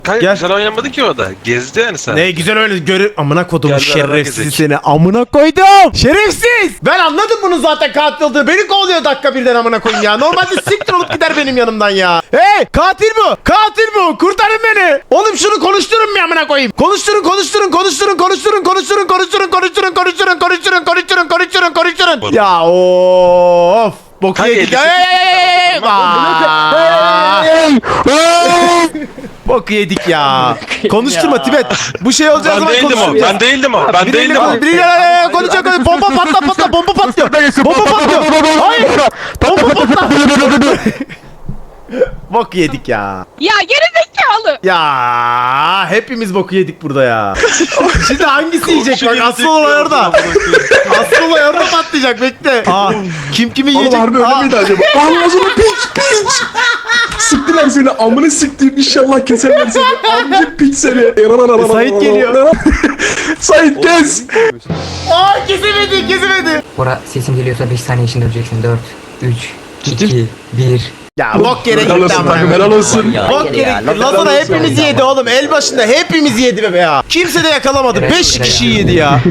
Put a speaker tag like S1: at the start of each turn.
S1: Kanka
S2: Gel.
S1: güzel oynamadı ki o da. Gezdi yani sen.
S2: Ne güzel öyle görür. Amına kodumu
S1: Gel beraber
S2: şerefsiz
S1: gezek.
S2: seni. Amına koydum. Şerefsiz. Ben anladım bunun zaten katil olduğunu. Beni kovalıyor dakika birden amına koyayım ya. Normalde siktir olup gider benim yanımdan ya. Hey katil bu. Katil bu. Kurtarın beni. Oğlum şunu konuşturun mu amına koyayım? Konuşturun. Ya of. Boku
S1: Kanka,
S2: yedik.
S1: elbise-
S2: Boku yedik ya. Konuşturma Tibet. Bu şey olacağı
S1: Ben
S2: zaman
S1: değildim o.
S2: konuşturma.
S1: Ben değildim o. Ben
S2: Biriyle
S1: değildim o.
S2: biriyle konuşacak. Bomba patla. Bomba patlıyor. Bomba patlıyor. Hayır. Bomba patla. Bok yedik ya.
S3: Ya gerizekalı.
S2: Ya hepimiz boku yedik burada ya. Şimdi hangisi yiyecek bak asıl olay orada. Asıl olay orada patlayacak bekle. Aa, kim kimi
S4: Oğlum
S2: yiyecek?
S4: harbi öyle
S2: Aa,
S4: miydi acaba? Ağzını piç. Siktiler seni amını siktiğim inşallah keserler seni. Amcık piç seni.
S2: Sait geliyor.
S4: Sait kes.
S2: Aa kesemedi.
S5: Bora sesim geliyorsa 5 saniye içinde öleceksin. 4, 3, 2, 1.
S2: Ya bok yere
S4: Helal
S2: gitti
S4: olsun
S2: ama.
S4: takım helal olsun.
S2: Bok yere gitti. Lazona hepimizi yedi oğlum. El başında hepimizi yedi be ya. Kimse de yakalamadı.
S5: Evet,
S2: 5
S5: evet.
S2: kişi yedi ya.